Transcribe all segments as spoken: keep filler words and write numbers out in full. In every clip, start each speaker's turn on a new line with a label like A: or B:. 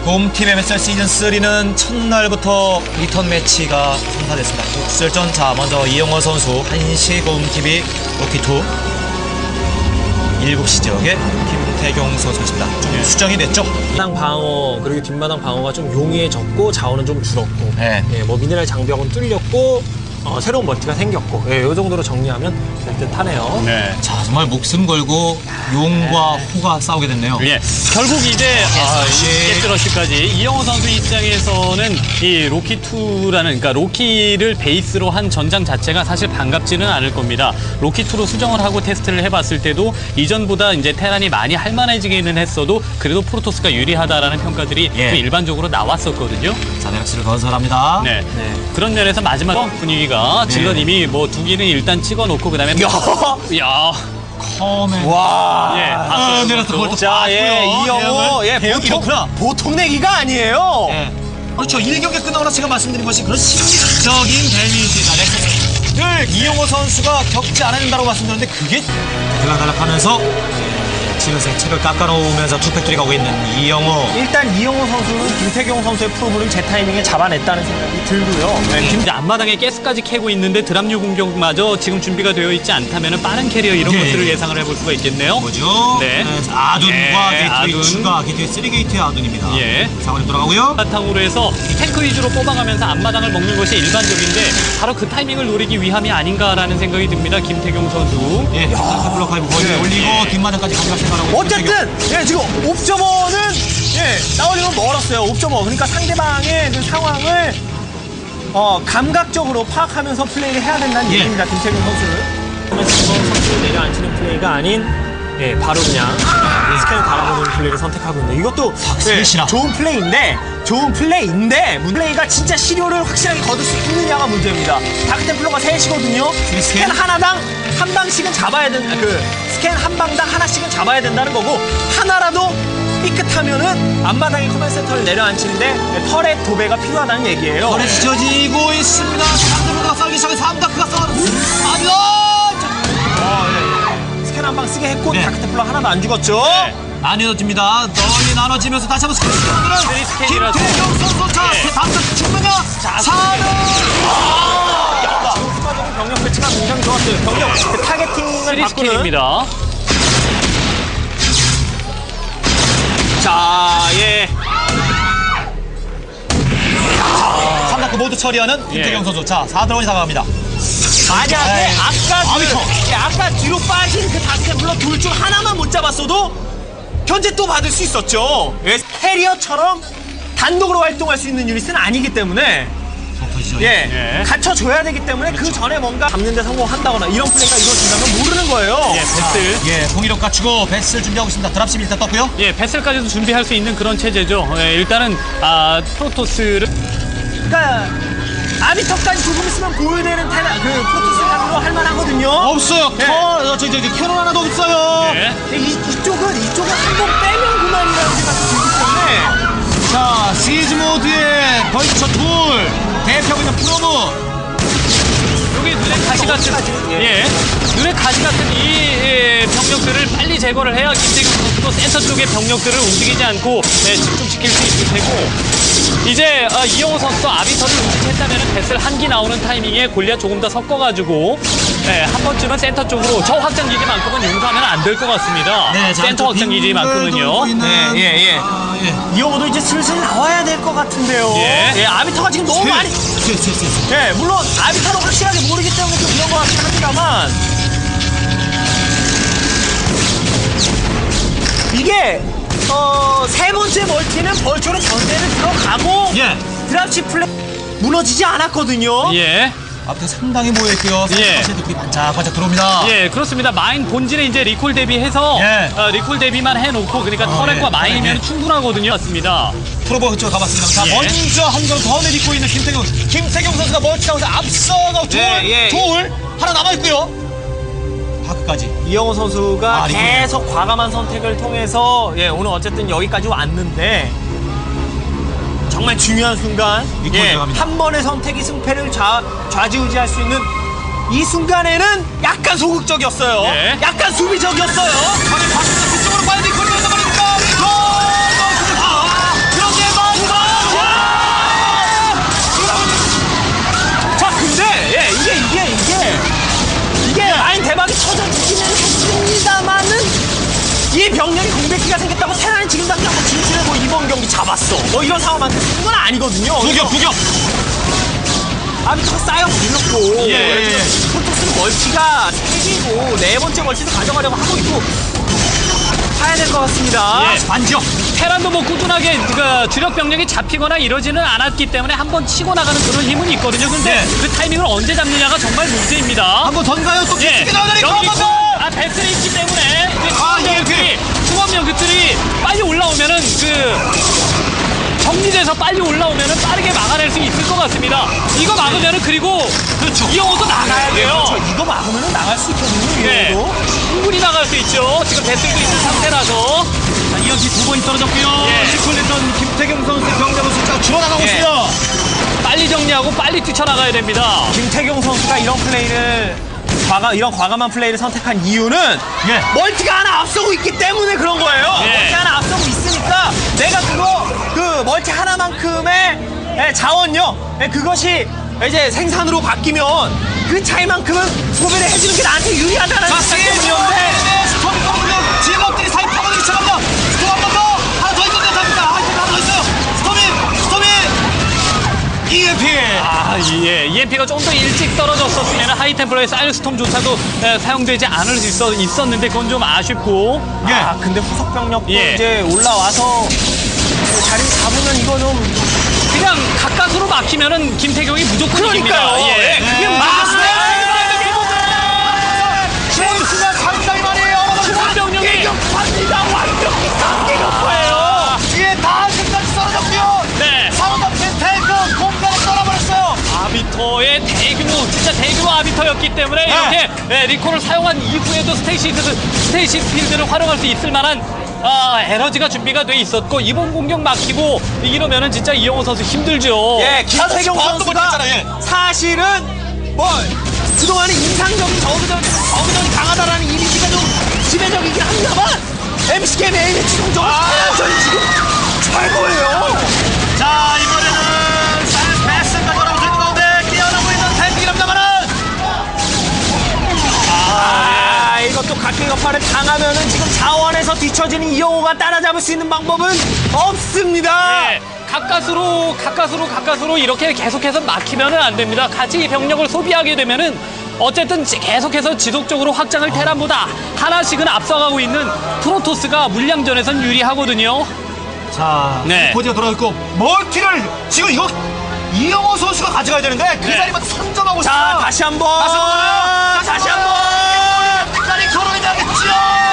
A: 홈팀 엠에스엘 시즌삼는 첫날부터 리턴 매치가 성사됐습니다. 독설전. 자, 먼저 이영호 선수 한시 홈팀이 로키투, 일곱 시 지역에 김태경 선수였습니다. 좀 수정이 됐죠?
B: 마당 방어 그리고 뒷마당 방어가 좀 용이해졌고 자원은 좀 줄었고
A: 네.
B: 예, 뭐 미네랄 장벽은 뚫렸고 어, 새로운 멀티가 생겼고 예, 이 정도로 정리하면 될 듯하네요.
C: 네.
A: 자, 정말 목숨 걸고 용과 호가 싸우게 됐네요.
C: 예. 결국 이제 아, 이 게스러시까지 이영호 선수 입장에서는 이 로키투라는 그러니까 로키를 베이스로 한 전장 자체가 사실 반갑지는 않을 겁니다. 로키투로 수정을 하고 테스트를 해봤을 때도 이전보다 이제 테란이 많이 할만해지기는 했어도 그래도 프로토스가 유리하다라는 평가들이
A: 예.
C: 좀 일반적으로 나왔었거든요.
A: 자, 베럭스를 건설합니다.
C: 네.
B: 네.
C: 그런 면에서 마지막 분위기가 질럿님이 뭐 두 개는 일단 찍어놓고 그다음에 야.
A: 컴에
B: 와.
C: 예.
A: 아, 내려서 볼트
B: 자, 예, 이영호, 예,
A: 대역이
B: 보통,
A: 좋구나.
B: 보통 내기가 아니에요.
A: 예. 그렇죠. 일 경기 끝나고 나서 제가 말씀드린 것이 그런 심리적인 데미지가 넥서스를 이영호 선수가 겪지 않아야 된다고 말씀드렸는데 그게 들락달락하면서 지금의 책을 깎아놓으면서 투팩토리 가고 있는 이영호.
B: 일단 이영호 선수는 김태경 선수의 프로브를 제 타이밍에 잡아냈다는 생각이 들고요.
C: 네, 김 앞마당에 가스까지 캐고 있는데 드랍류 공격마저 지금 준비가 되어 있지 않다면 빠른 캐리어 이런
A: 예.
C: 것들을 예상을 해볼 수가 있겠네요.
A: 뭐죠?
C: 네.
A: 아둔과
C: 예,
A: 게이트웨이
C: 아둔.
A: 추가, 게이트웨이 쓰리 게이트의 아둔입니다.
C: 예.
A: 상황이 돌아가고요.
C: 바탕으로 해서 탱크 위주로 뽑아가면서 앞마당을 먹는 것이 일반적인데 바로 그 타이밍을 노리기 위함이 아닌가라는 생각이 듭니다. 김태경 선수.
A: 예, 블록 파이브 거의
B: 네.
A: 올리고
C: 예.
A: 뒷마당까지 가져갈 생각하고 있는
B: 어쨌든 예, 지금 옵저버는 예, 나오려면 멀었어요. 옵저버. 그러니까 상대방의 그 상황을 어, 감각적으로 파악하면서 플레이를 해야 된다는
A: 예.
B: 얘기입니다. 김태균 선수를. 그러면 지금 선수를 내려앉히는 플레이가 아닌 예, 바로 그냥 스캔을 달아보는 플레이를 선택하고 있는데 이것도 예,
A: 셋이나.
B: 좋은 플레이인데 좋은 플레이인데 플레이가 진짜 실효를 확실하게 거둘 수 있느냐가 문제입니다. 다크템플러가 셋이거든요.
A: 스캔?
B: 스캔 하나당 한 방씩은 잡아야 된다. 그 스캔 한 방당 하나씩은 잡아야 된다는 거고 하나라도 삐끗하면은 앞마당에 커맨 센터를 내려앉히는데 터렛 도배가 필요하다는 얘기예요.
A: 거래 지쳐지고 있습니다. 상대보다 싸우기 시작해 삼 다크가 싸우는 아니요!
B: 스캔 한 방 쓰게 했고
A: 네.
B: 다크템플러 하나도 안 죽었죠.
A: 나뉘어집니다. 널리 나눠지면서 다시 한번 스캔을
C: 스리 스캔이라서.
A: 김태경 선수. 자,
C: 네.
A: 다음 단 죽느냐?
B: 자,
A: 사는
B: 지금 추가적인 병력 배치가 굉장히 좋았어요. 병력 그 타겟팅을
C: 쓰리
B: 바꾸는.
C: 스킬입니다.
B: 자, 예.
A: 삼 다크 모두 처리하는 김태경
C: 예.
A: 선수. 자, 사 드론이 다가갑니다.
B: 만약에
A: 에이,
B: 아까
A: 아비터.
B: 그, 예, 아까 뒤로 빠진 그 다크템플러 둘 중 하나만 못 잡았어도 견제 또 받을 수 있었죠. 예, 캐리어처럼 단독으로 활동할 수 있는 유닛은 아니기 때문에
A: 터지죠.
B: 예,
C: 예.
B: 갖춰줘야 되기 때문에 그 전에 뭔가 잡는 데 성공한다거나 이런 플레이가 이루어진다면 모르는 거예요.
C: 예, 베슬.
A: 예, 공이력 갖추고 베스를 준비하고 있습니다. 드랍십 일단 떴고요.
C: 예, 베슬까지도 준비할 수 있는 그런 체제죠. 예, 일단은 아, 프로토스를
B: 그러니까 아비터까지 조금 있으면 보여되는 테라, 그 프로토스로 할만하거든요.
A: 없어요.
B: 예.
A: 터, 저, 저, 저, 캐논 하나도 없어요.
C: 예.
B: 근데 이, 이쪽은 이쪽은 한 번 빼면 그만이라는 생각이 들기 때문에
A: 자, 시즈 모드의 벌처 둘 대표하고 있는 프로브.
C: 여기 눈에 가시 같은 예 눈에 가시 같은 이 예, 병력들을 빨리 제거를 해야 김태경 선수도 센터 쪽의 병력들을 움직이지 않고 예, 집중시킬 수 있을 테고 이제 아, 이영호 선수도 아비터를 눈치챘다면 배슬 한기 나오는 타이밍에 골리앗 조금 더 섞어가지고 예, 한 번쯤은 센터 쪽으로 저 확장 기지만큼은 용서하면 안 될 것 같습니다.
A: 네, 자,
C: 센터 확장 기지만큼은요.
B: 네, 예, 예.
A: 아, 예.
B: 이영호도 이제 슬슬 나와야 될 것 같은데요.
C: 예.
B: 아비터가 지금 너무 많이.
A: 세, 세, 세, 세.
B: 예, 물론 아비터를 확실하게 모르기 때문에 좀 그런 것 같긴 합니다만 이게 어, 세 번째 멀티는 벌초로 전대를 들어가고
A: 예.
B: 드랍십 플레이 무너지지 않았거든요.
C: 예.
A: 앞에 상당히 모여있고요.
C: 예.
A: 선수들이 반짝반짝 들어옵니다.
C: 예, 그렇습니다. 마인 본진에 이제 리콜 대비해서
A: 예.
C: 어, 리콜 대비만 해놓고 그러니까
A: 어,
C: 터렛과
A: 예.
C: 마인이면
A: 예.
C: 충분하거든요. 맞습니다.
A: 프로버 그쪽 가봤습니다. 자,
C: 예.
A: 먼저 한 점 더 내딛고 있는 김태경. 김태경 선수가 멀티하면서 앞서가고 둘,
B: 예, 예.
A: 둘 하나 남아있고요. 다크까지.
B: 이영호 선수가
A: 아, 리콜.
B: 계속 과감한 선택을 통해서 예, 오늘 어쨌든 여기까지 왔는데 정말 중요한 순간
A: 리콜
B: 예,
A: 들어갑니다.
B: 한 번의 선택이 승패를 좌, 좌지우지할 수 있는 이 순간에는 약간 소극적이었어요.
C: 예.
B: 약간 수비적이었어요.
A: 아니, 박수 그쪽으로 빨리 리콜 넣어서 버립니다. 리콜! 그런데
B: 왔어. 뭐 이런 상황한테 쓰는 건 아니거든요.
A: 부격 부격.
B: 아비터 쌓여 불렀고
A: 예, 예, 예.
B: 프로토스는 멀티가 세 개고 네 번째 멀티도 가져가려고 하고 있고 봐야 될 것 같습니다.
C: 예.
A: 반격.
C: 테란도 뭐 꾸준하게 그 주력 병력이 잡히거나 이러지는 않았기 때문에 한번 치고 나가는 그런 힘은 있거든요. 근데
A: 네.
C: 그 타이밍을 언제 잡느냐가 정말 문제입니다.
A: 한번 던가요? 또
C: 예,
A: 깊게 나가니까
C: 여기
A: 한번 더.
C: 아 배틀이 있기 때문에
A: 아, 예,
C: 수범병들이 수범병들이 빨리 올라오면은 그 정리돼서 빨리 올라오면은 빠르게 막아낼 수 있을 것 같습니다. 이거 막으면은 그리고
A: 그렇죠.
C: 이영호도 나가야 돼요.
B: 그렇죠. 이거 막으면 나갈 수 있거든요.
C: 네,
B: 이거도.
C: 충분히 나갈 수 있죠. 지금 배틀도 있는 상태라서.
A: 자, 이연치 두 번이 떨어졌고요.
C: 예.
A: 시콜리던 김태경 선수의 병력은 숫자가 줄어나가고
C: 예.
A: 있습니다.
C: 빨리 정리하고 빨리 뛰쳐나가야 됩니다.
B: 김태경 선수가 이런 플레이를 과감, 이런 과감한 플레이를 선택한 이유는
A: 예.
B: 멀티가 하나 앞서고 있기 때문에 그런 거예요.
C: 예.
B: 멀티 하나 앞서고 있으니까 내가 그거 그 멀티 하나만큼의 예, 자원력 예, 그것이 이제 생산으로 바뀌면 그 차이만큼은 소비를 해주는 게 나한테 유리하다는
A: 자,
B: 생각
A: 세게
B: 때문이었는데
A: 스톰이 떠오르면 지역업들이 사이 파고들기 시작합니다. 스톰 한 번 더. 하나 더 있는데 답니다. 하나 더 있어요. 스톰이, 스톰이. 이엠피.
C: 아, 예. 이엠피가 좀 더 일찍 떨어졌었으면 하이템플러의 사이언스톰조차도 에, 사용되지 않을 수 있어, 있었는데 그건 좀 아쉽고.
A: 예.
B: 아 근데 후속 병력도
C: 예.
B: 이제 올라와서 자리 잡으면 이거 좀
C: 그냥 가까스로 막히면은 김태경이 무조건
B: 그러니까요.
C: 이깁니다. 예.
B: 예, 그게
A: 네.
B: 맞습니다.
A: 제임스가 상당히 말이에요.
C: 수범병력이
B: 갑니다. 완벽히 쌍계격파예요.
A: 뒤에 다 끝까지 떨어졌고요.
C: 네.
A: 상호가 탱크 공간에 떠나버렸어요.
C: 아비터의 대규모, 진짜 대규모 아비터였기 때문에
A: 네.
C: 이렇게 예, 리콜을 사용한 이후에도 스테이시드, 스테이시 필드를 활용할 수 있을 만한 아, 에너지가 준비가 돼 있었고 이번 공격 막히고 이러면은 진짜 이영호 선수 힘들죠.
B: 예, 김태경
A: 반도
B: 선수가
A: 못했잖아요, 예.
B: 사실은 뭐 그동안에 인상적인 저그전, 저그전이 강하다라는 이미지가 좀 지배적이긴 합니다만 엠씨 게임 A매치 성적은
A: 아.
B: 사연전이 지금 최고예요.
A: 자, 이번에는 사이언스 패스까지 올라오고 있는 가운데 뛰어나고 있는 탱크랍니다만은
B: 아, 이것도 각계격파를 당하면은 지금 자원에서 뒤처지는 이영호가 따라잡을 수 있는 방법은 없습니다.
C: 예, 가까스로 가까스로 가까스로 이렇게 계속해서 막히면은 안 됩니다. 같이 병력을 소비하게 되면은 어쨌든 지- 계속해서 지속적으로 확장을 테란보다 하나씩은 앞서가고 있는 프로토스가 물량전에선 유리하거든요.
A: 자,
C: 네.
A: 포지가 돌아있고 멀티를 지금 이거 이영호 선수가 가져가야 되는데 그
C: 네.
A: 자리만 선점하고
B: 자,
A: 있어요.
B: 다시 한 번.
A: 다시 한 번.
B: 자, 다시 한 번.
A: 끝까지 걸어야 되겠죠.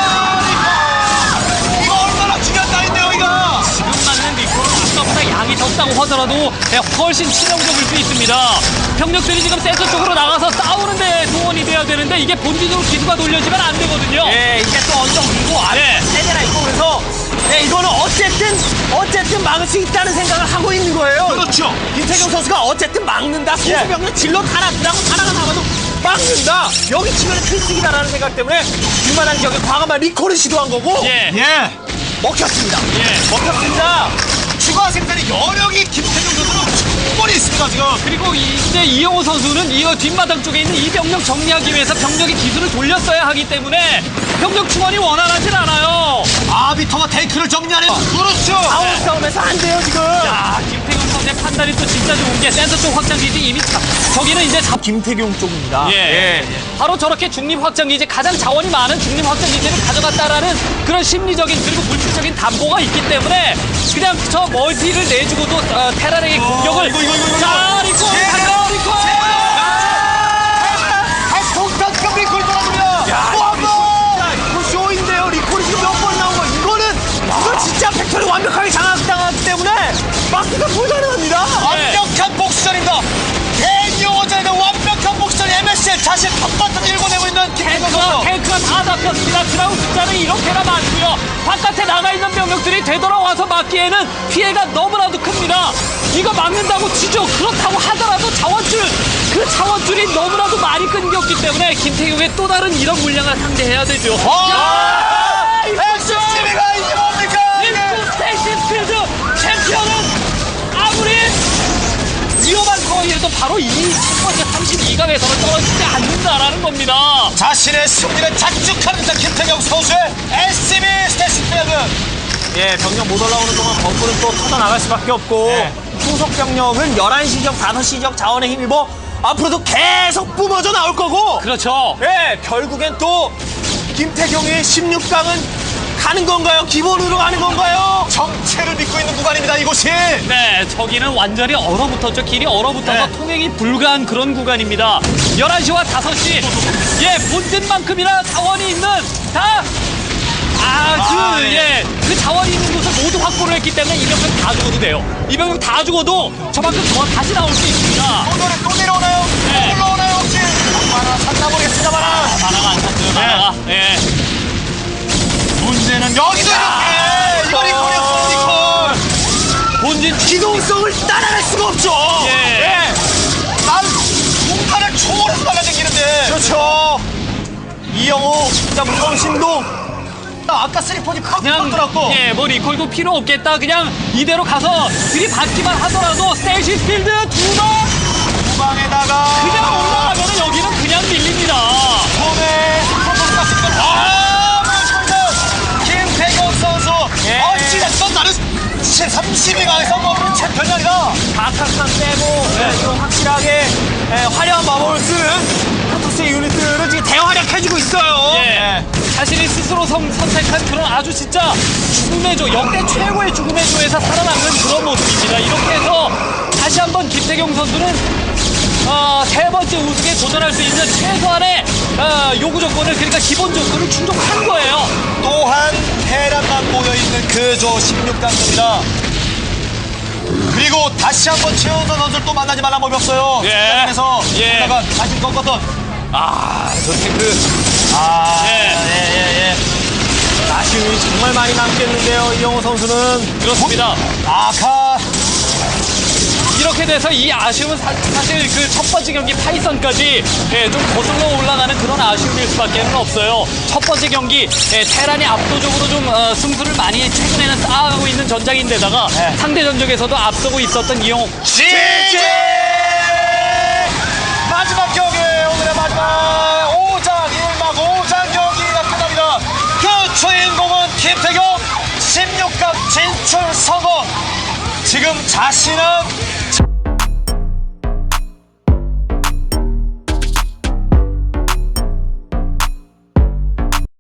A: 이거 얼마나 중요한 날인데요, 이거.
C: 지금 맞는 리콜은 아까보다 양이 적다고 하더라도 예, 훨씬 치명적일 수 있습니다. 병력들이 지금 센터 쪽으로 나가서 싸우는데 동원이 돼야 되는데 이게 본진으로 기수가 돌려지면 안 되거든요.
B: 예, 이게 또 언덕 밀고 아래
C: 네.
B: 세대나 있고 그래서 예, 이거는 어쨌든 어쨌든 막을 수 있다는 생각을 하고 있는 거예요.
A: 그렇죠.
B: 김태경 선수가 어쨌든 막는다.
A: 예.
B: 소수병력 질러 하나 드라고 하나가 나가도 막는다. 여기 치면 필승이다라는 생각 때문에 뒷마당 지역에 과감한 리콜을 시도한 거고
C: 예.
A: 예.
B: 먹혔습니다.
C: 예.
B: 먹혔습니다.
A: 추가 생산의 여력이 김태경 선수는 충분히 있습니다, 지금.
C: 그리고 이제 이영호 선수는 이 뒷마당 쪽에 있는 이 병력 정리하기 위해서 병력의 기술을 돌렸어야 하기 때문에 병력 충원이 원활하진 않아요.
A: 아비터가 탱크를 정리하는. 그렇죠.
B: 아웃 싸움에서 안 돼요 지금.
C: 야, 김태균 선수의 판단이 또 진짜 좋은 게 센터 쪽 확장기지 이미 자, 저기는 이제 잡.
B: 김태경 쪽입니다.
C: 예. 바로 저렇게 중립 확장기지 가장 자원이 많은 중립 확장기지를 가져갔다라는 그런 심리적인 그리고 물질적인 담보가 있기 때문에 그냥 저 멀티를 내주고도 어, 테란에게 공격을
A: 이거, 이거, 이거, 이거.
C: 자 리콜
A: 예.
C: 가자 리콜
A: 아, 동탄급 리콜 떨어집니다.
B: 야,
A: 또 한 번.
B: 이거 쇼인데요. 리콜이 지금 몇 번 나온 거. 이거는 이거 진짜 팩토리 완벽하게 장악당하기 때문에 막기가 불가능합니다.
A: 완벽한 복수전입니다. 대용호전의 완벽한 복수전 엠에스엘 자신 텃밭을 일궈내고 있는 김태경
C: 탱크가,
A: 선수.
C: 탱크가 다 잡혔습니다. 드라운 숫자는 이렇게나 많고요. 바깥에 나가 있는 병력들이 되돌아와서 막기에는 피해가 너무나도 큽니다. 이거 막는다고 치죠. 그렇다고 하더라도 자원줄, 그 자원줄이 너무나도 많이 끊겼기 때문에 김태경의 또 다른 이런 물량을 상대해야 되죠.
A: 아! 엑스씨비가 이게 뭡니까?
C: 일구 스테이시 필드 챔피언은 아무리 위험한 거에도 바로 이 첫 번째 삼십이 강에서는 떨어지지 않는다라는 겁니다.
A: 자신의 승리를 자축하는 자 김태경 선수의 에스씨비 스테이시필드.
B: 예, 병력 못 올라오는 동안 거꾸로 또 터져 나갈 수밖에 없고
A: 네.
B: 후속 병력은 열한 시 지역, 다섯 시 지역 자원에 힘입어 앞으로도 계속 뿜어져 나올 거고
C: 그렇죠.
B: 예, 결국엔 또 김태경의 십육 강은 가는 건가요? 기본으로 가는 건가요?
A: 정체를 믿고 있는 구간입니다. 이곳이.
C: 네, 저기는 완전히 얼어붙었죠. 길이 얼어붙어서
A: 네.
C: 통행이 불가한 그런 구간입니다. 열한 시와 다섯 시. 예, 본진만큼이나 자원이 있는 다 아주
A: 아, 네.
C: 예, 그 자원이 있는 곳을 모두 확보를 했기 때문에 이 병력 다 죽어도 돼요. 이 병력 다 죽어도 저만큼 더 다시 나올 수 있습니다.
A: 또, 노래, 또 내려오나요?
C: 네.
A: 또 올라오나요? 혹시? 하나 샀나 모르겠습니다만.
C: 만화가 안 찼어요. 만화가. 예.
A: 문제는 여기도 이렇게. 이걸 이꼴이었어, 이꼴.
C: 본진
B: 기동성을 따라갈 수가 없죠.
C: 예.
A: 예. 난 공판을 초월해서 날라다니는데.
B: 그렇죠. 이영호, 자 무서운 신동.
A: 아까 쓰리폰이 팍
C: 그냥
A: 들었고.
C: 예, 뭐 리콜도 필요 없겠다. 그냥 이대로 가서 들이받기만 하더라도 스테이시 필드 두 방
A: 후방에다가.
C: 그냥 올라가면은 여기는 그냥 밀립니다.
A: 처음에 스포츠가 갔으니까. 아, 멋있습니다. 김태경 선수.
B: 예.
A: 어찌됐건 나는 삼십이 강에서 먹는 챔피언이 아니라.
B: 다카스탄 빼고 예, 좀 확실하게 예, 화려한 마법을 쓰는 프로토스의 유닛들은 지금 대활약해주고 있어요.
C: 예. 자신이 스스로 선, 선택한 그런 아주 진짜 죽음의 조, 역대 최고의 죽음의 조에서 살아남는 그런 모습입니다. 이렇게 해서 다시 한번 김태경 선수는 어, 세 번째 우승에 도전할 수 있는 최소한의 어, 요구 조건을, 그러니까 기본 조건을 충족한 거예요.
A: 또한 테란만 모여있는 그조 십육 강입니다. 그리고 다시 한번 최원선 선수를 또 만나지 말란 법이 없어요.
C: 예.
A: 에서
C: 예.
A: 다시 꺾었던.
C: 아, 저 탱크.
A: 아,
C: 예.
A: 예, 예, 예.
B: 아쉬움이 정말 많이 남겠는데요. 이영호 선수는
C: 그렇습니다.
A: 아카.
C: 이렇게 돼서 이 아쉬움은 사, 실 그 첫 번째 경기 파이썬까지 예, 좀 거슬러 올라가는 그런 아쉬움일 수밖에 없어요. 첫 번째 경기 예, 테란이 압도적으로 좀 어, 승수를 많이 최근에는 쌓아가고 있는 전장인데다가
A: 네.
C: 상대 전적에서도 앞서고 있었던 이영호.
A: 지지! 마지막 경기, 오늘의 마지막 오 장, 일 막 오 장 경기가 끝납니다. 그 주인공은 김태경 십육 강 진출 성공. 지금 자신은